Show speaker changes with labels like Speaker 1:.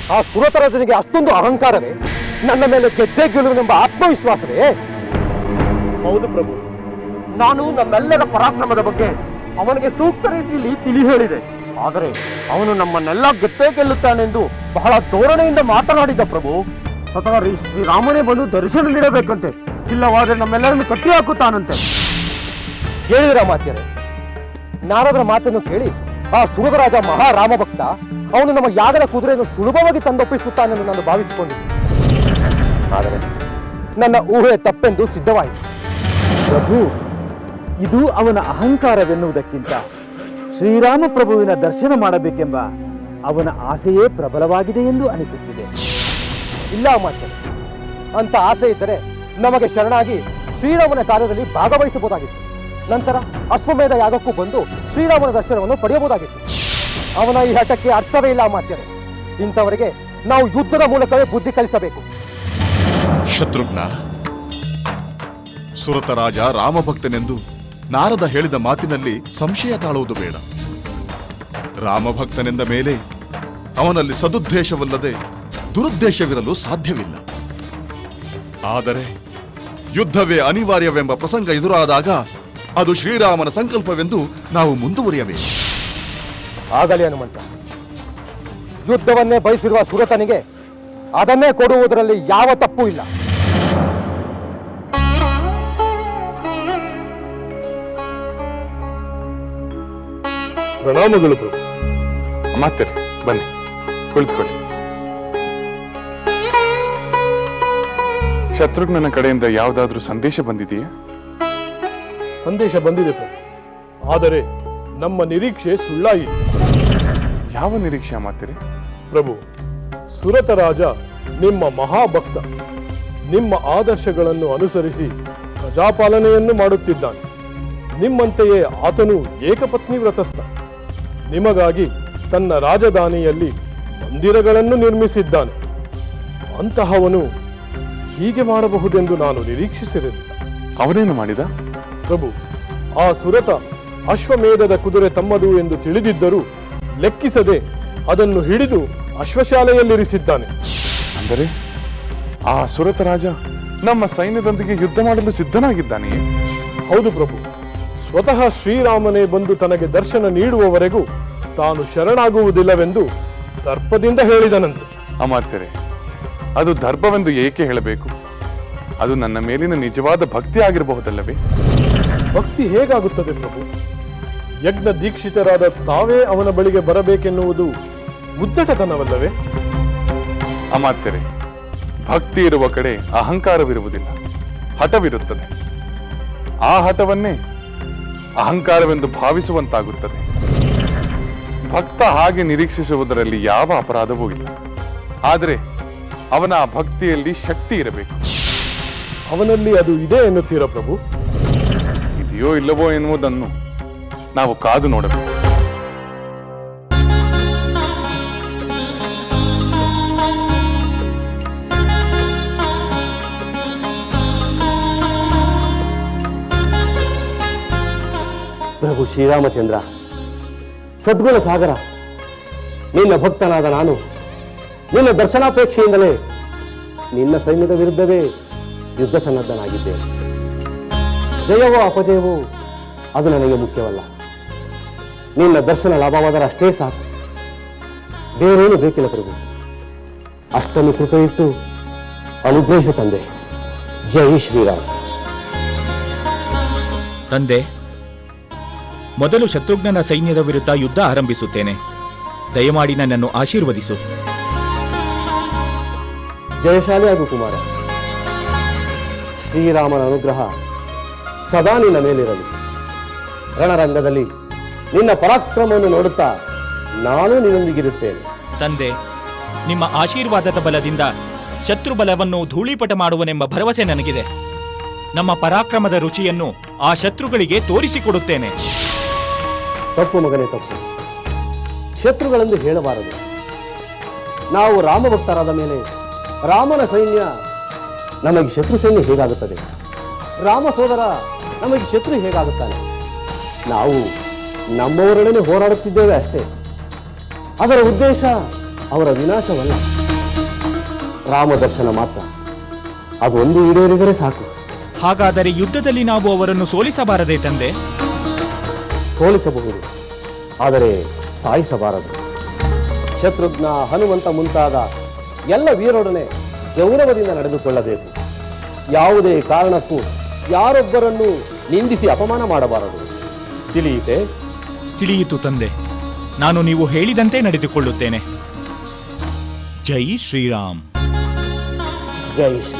Speaker 1: ಆ ಸುರತರಾಜನಿಗೆ ಅಷ್ಟೊಂದು ಅಹಂಕಾರವೇ? ನನ್ನ ಮೇಲೆ ಗೆದ್ದೇ ಗೆಲ್ಲುವೆನೆಂಬ ಆತ್ಮವಿಶ್ವಾಸವೇ?
Speaker 2: ಹೌದು ಪ್ರಭು, ನಾನು ನಮ್ಮೆಲ್ಲರ ಪರಾಕ್ರಮದ ಬಗ್ಗೆ ಅವನಿಗೆ ಸೂಕ್ತ ರೀತಿಯಲ್ಲಿ ತಿಳಿ ಹೇಳಿದೆ. ಆದರೆ ಅವನು ನಮ್ಮನ್ನೆಲ್ಲ ಗೆದ್ದೇ ಗೆಲ್ಲುತ್ತಾನೆಂದು ಬಹಳ ಧೋರಣೆಯಿಂದ ಮಾತನಾಡಿದ ಪ್ರಭು. ಸ್ವತಃ ಶ್ರೀರಾಮನೇ ಬಂದು ದರ್ಶನ ನೀಡಬೇಕಂತೆ, ಇಲ್ಲವಾದರೆ ನಮ್ಮೆಲ್ಲರನ್ನು ಕಟ್ಟಿ ಹಾಕುತ್ತಾನಂತೆ.
Speaker 1: ಕೇಳಿದಿರ ಮಾತ್ಯರೇ? ನಾರದರ ಮಾತನ್ನು ಕೇಳಿ ಆ ಸುರಗರಾಜ ಮಹಾರಾಮ ಭಕ್ತ ಅವನು ನಮ್ಮ ಯಾಗದ ಕುದುರೆಯನ್ನು ಸುಲಭವಾಗಿ ತಂದೊಪ್ಪಿಸುತ್ತಾನೆಂದು ನಾನು ಭಾವಿಸಿಕೊಂಡಿದ್ದೆ. ಆದರೆ ನನ್ನ ಊಹೆ ತಪ್ಪೆಂದು ಸಿದ್ಧವಾಯಿತು.
Speaker 3: ಪ್ರಭು, ಇದು ಅವನ ಅಹಂಕಾರವೆನ್ನುವುದಕ್ಕಿಂತ ಶ್ರೀರಾಮ ಪ್ರಭುವಿನ ದರ್ಶನ ಮಾಡಬೇಕೆಂಬ ಅವನ ಆಸೆಯೇ ಪ್ರಬಲವಾಗಿದೆ ಎಂದು ಅನಿಸುತ್ತಿದೆ.
Speaker 1: ಇಲ್ಲ ಮಾತ್ಯರೇ, ಅಂತ ಆಸೆ ಇದ್ದರೆ ನಮಗೆ ಶರಣಾಗಿ ಶ್ರೀರಾಮನ ಕಾರ್ಯದಲ್ಲಿ ಭಾಗವಹಿಸಬಹುದಾಗಿತ್ತು. ನಂತರ ಅಶ್ವಮೇಧ ಯಾಗಕ್ಕೂ ಬಂದು ಶ್ರೀರಾಮನ ದರ್ಶನವನ್ನು ಪಡೆಯಬಹುದಾಗಿತ್ತು. ಅವನ ಈ ಹಠಕ್ಕೆ ಅರ್ಥವೇ ಇಲ್ಲ ಮಾತ್ಯರೇ. ಇಂಥವರಿಗೆ ನಾವು ಯುದ್ಧದ ಮೂಲಕವೇ ಬುದ್ಧಿ ಕಲಿಸಬೇಕು.
Speaker 4: ಶತ್ರುಘ್ನ, ಸುರತರಾಜ ರಾಮಭಕ್ತನೆಂದು ನಾರದ ಹೇಳಿದ ಮಾತಿನಲ್ಲಿ ಸಂಶಯ ತಾಳುವುದು ಬೇಡ. ರಾಮಭಕ್ತನೆಂದ ಮೇಲೆ ಅವನಲ್ಲಿ ಸದುದ್ದೇಶವಲ್ಲದೆ ದುರುದ್ದೇಶವಿರಲು ಸಾಧ್ಯವಿಲ್ಲ. ಆದರೆ ಯುದ್ಧವೇ ಅನಿವಾರ್ಯವೆಂಬ ಪ್ರಸಂಗ ಎದುರಾದಾಗ ಅದು ಶ್ರೀರಾಮನ ಸಂಕಲ್ಪವೆಂದು ನಾವು ಮುಂದುವರಿಯಬೇಕು.
Speaker 1: ಆಗಲಿ ಹನುಮಂತ. ಯುದ್ಧವನ್ನೇ ಬಯಸಿರುವ ಸುರತನಿಗೆ ಅದನ್ನೇ ಕೊಡುವುದರಲ್ಲಿ ಯಾವ ತಪ್ಪು ಇಲ್ಲ.
Speaker 5: ಪ್ರಣಾಮಗಳು ಪ್ರಭು. ಮಾತೇರಿ, ಬನ್ನಿ ಕುಳಿತುಕೊಳ್ಳಿ. ಶತ್ರುಘ್ನನ ಕಡೆಯಿಂದ ಯಾವುದಾದ್ರೂ ಸಂದೇಶ ಬಂದಿದೆಯೇ?
Speaker 6: ಸಂದೇಶ ಬಂದಿದೆ ಪ್ರಭು, ಆದರೆ ನಮ್ಮ ನಿರೀಕ್ಷೆ ಸುಳ್ಳಾಯಿತು.
Speaker 5: ಯಾವ ನಿರೀಕ್ಷೆ ಮಾತೇರಿ?
Speaker 6: ಪ್ರಭು, ಸುರತರಾಜ ನಿಮ್ಮ ಮಹಾಭಕ್ತ. ನಿಮ್ಮ ಆದರ್ಶಗಳನ್ನು ಅನುಸರಿಸಿ ಪ್ರಜಾಪಾಲನೆಯನ್ನು ಮಾಡುತ್ತಿದ್ದಾನೆ. ನಿಮ್ಮಂತೆಯೇ ಆತನು ಏಕಪತ್ನಿ ವ್ರತಸ್ಥ. ನಿಮಗಾಗಿ ತನ್ನ ರಾಜಧಾನಿಯಲ್ಲಿ ಮಂದಿರಗಳನ್ನು ನಿರ್ಮಿಸಿದ್ದಾನೆ. ಅಂತಹವನು ಹೀಗೆ ಮಾಡಬಹುದೆಂದು ನಾನು ನಿರೀಕ್ಷಿಸಿರಲಿಲ್ಲ.
Speaker 5: ಅವನೇನು ಮಾಡಿದ?
Speaker 6: ಪ್ರಭು, ಆ ಸುರತ ಅಶ್ವಮೇಧದ ಕುದುರೆ ತಮ್ಮದು ಎಂದು ತಿಳಿದಿದ್ದರೂ ಲೆಕ್ಕಿಸದೆ ಅದನ್ನು ಹಿಡಿದು ಅಶ್ವಶಾಲೆಯಲ್ಲಿರಿಸಿದ್ದಾನೆ.
Speaker 5: ಅಂದರೆ ಆ ಸುರತ ರಾಜ ನಮ್ಮ ಸೈನ್ಯದೊಂದಿಗೆ ಯುದ್ಧ ಮಾಡಲು ಸಿದ್ಧನಾಗಿದ್ದಾನೆಯೇ?
Speaker 6: ಹೌದು ಪ್ರಭು, ಸ್ವತಃ ಶ್ರೀರಾಮನೇ ಬಂದು ತನಗೆ ದರ್ಶನ ನೀಡುವವರೆಗೂ ತಾನು ಶರಣಾಗುವುದಿಲ್ಲವೆಂದು ದರ್ಪದಿಂದ ಹೇಳಿದನಂತೆ.
Speaker 5: ಅಮಾತ್ಯರೇ, ಅದು ದರ್ಪವೆಂದು ಏಕೆ ಹೇಳಬೇಕು? ಅದು ನನ್ನ ಮೇಲಿನ ನಿಜವಾದ ಭಕ್ತಿ ಆಗಿರಬಹುದಲ್ಲವೇ?
Speaker 6: ಭಕ್ತಿ ಹೇಗಾಗುತ್ತದೆ ಪ್ರಭು? ಯಜ್ಞ ದೀಕ್ಷಿತರಾದ ತಾವೇ ಅವನ ಬಳಿಗೆ ಬರಬೇಕೆನ್ನುವುದು ಉದ್ದಟತನವಲ್ಲವೇ?
Speaker 5: ಅಮಾತ್ಯರೇ, ಭಕ್ತಿ ಇರುವ ಕಡೆ ಅಹಂಕಾರವಿರುವುದಿಲ್ಲ, ಹಠವಿರುತ್ತದೆ. ಆ ಹಠವನ್ನೇ ಅಹಂಕಾರವೆಂದು ಭಾವಿಸುವಂತಾಗುತ್ತದೆ. ಭಕ್ತ ಹಾಗೆ ನಿರೀಕ್ಷಿಸುವುದರಲ್ಲಿ ಯಾವ ಅಪರಾಧವೂ ಇಲ್ಲ. ಆದರೆ ಅವನ ಆ ಭಕ್ತಿಯಲ್ಲಿ ಶಕ್ತಿ ಇರಬೇಕು.
Speaker 6: ಅವನಲ್ಲಿ ಅದು ಇದೆ ಎನ್ನುತ್ತೀರಾ ಪ್ರಭು?
Speaker 5: ಇದೆಯೋ ಇಲ್ಲವೋ ಎನ್ನುವುದನ್ನು ನಾವು ಕಾದು ನೋಡಬೇಕು.
Speaker 1: ಪ್ರಭು ಶ್ರೀರಾಮಚಂದ್ರ, ಸದ್ಗುಣ ಸಾಗರ, ನಿನ್ನ ಭಕ್ತನಾದ ನಾನು ನಿನ್ನ ದರ್ಶನಾಪೇಕ್ಷೆಯಿಂದಲೇ ನಿನ್ನ ಸೈನ್ಯದ ವಿರುದ್ಧವೇ ಯುದ್ಧ ಸನ್ನದ್ಧನಾಗಿದ್ದೇನೆ. ಜಯವೋ ಅಪಜಯವೋ ಅದು ನನಗೆ ಮುಖ್ಯವಲ್ಲ. ನಿನ್ನ ದರ್ಶನ ಲಾಭವಾದರೆ ಅಷ್ಟೇ ಸಾಕು, ಬೇರೇನು ಬೇಕಿಲ್ಲ ಪ್ರಭು. ಅಷ್ಟನ್ನು ಕೃಪೆಯಿಟ್ಟು ಅನುಗ್ರಹಿಸು ತಂದೆ. ಜೈ ಶ್ರೀರಾಮ್.
Speaker 7: ತಂದೆ, ಮೊದಲು ಶತ್ರುಘ್ನನ ಸೈನ್ಯದ ವಿರುದ್ಧ ಯುದ್ಧ ಆರಂಭಿಸುತ್ತೇನೆ. ದಯಮಾಡಿ ನನ್ನನ್ನು ಆಶೀರ್ವದಿಸು.
Speaker 1: ಜಯಶಾಲಿಯಾಗು ಕುಮಾರ. ಶ್ರೀರಾಮನ ಅನುಗ್ರಹ ಸದಾ ನಿನ್ನ ಮೇಲಿರಲಿ. ರಣರಂಗದಲ್ಲಿ ನಿನ್ನ ಪರಾಕ್ರಮವನ್ನು ನೋಡುತ್ತಾ ನಾನು ನಿನ್ನೊಂದಿಗಿರುತ್ತೇನೆ.
Speaker 7: ತಂದೆ, ನಿಮ್ಮ ಆಶೀರ್ವಾದದ ಬಲದಿಂದ ಶತ್ರು ಬಲವನ್ನು ಧೂಳೀಪಟ ಮಾಡುವನೆಂಬ ಭರವಸೆ ನನಗಿದೆ. ನಮ್ಮ ಪರಾಕ್ರಮದ ರುಚಿಯನ್ನು ಆ ಶತ್ರುಗಳಿಗೆ ತೋರಿಸಿಕೊಡುತ್ತೇನೆ.
Speaker 1: ತಪ್ಪು ಮಗನೇ, ತಪ್ಪು. ಶತ್ರುಗಳೆಂದು ಹೇಳಬಾರದು. ನಾವು ರಾಮಭಕ್ತರಾದ ಮೇಲೆ ರಾಮನ ಸೈನ್ಯ ನಮಗೆ ಶತ್ರು ಸೈನ್ಯ ಹೇಗಾಗುತ್ತದೆ? ರಾಮ ಸೋದರ ನಮಗೆ ಶತ್ರು ಹೇಗಾಗುತ್ತಾನೆ? ನಾವು ನಮ್ಮವರೊಡನೆ ಹೋರಾಡುತ್ತಿದ್ದೇವೆ ಅಷ್ಟೇ. ಅದರ ಉದ್ದೇಶ ಅವರ ವಿನಾಶವಲ್ಲ.
Speaker 2: ರಾಮ ದರ್ಶನ ಮಾತ್ರ ಅದೊಂದು ಈಡೇರಿದರೆ ಸಾಕು.
Speaker 7: ಹಾಗಾದರೆ ಯುದ್ಧದಲ್ಲಿ ನಾವು ಅವರನ್ನು ಸೋಲಿಸಬಾರದೇ ತಂದೆ?
Speaker 2: ಸೋಲಿಸಬಹುದು, ಆದರೆ ಸಾಯಿಸಬಾರದು. ಶತ್ರುಘ್ನ, ಹನುಮಂತ ಮುಂತಾದ ಎಲ್ಲ ವೀರರೊಡನೆ ಗೌರವದಿಂದ ನಡೆದುಕೊಳ್ಳಬೇಕು. ಯಾವುದೇ ಕಾರಣಕ್ಕೂ ಯಾರೊಬ್ಬರನ್ನು ನಿಂದಿಸಿ ಅಪಮಾನ ಮಾಡಬಾರದು. ತಿಳಿಯಿತೆ?
Speaker 7: ತಿಳಿಯಿತು ತಂದೆ. ನಾನು ನೀವು ಹೇಳಿದಂತೆ ನಡೆದುಕೊಳ್ಳುತ್ತೇನೆ. ಜೈ ಶ್ರೀರಾಮ್.
Speaker 2: ಜೈ ಶ್ರೀ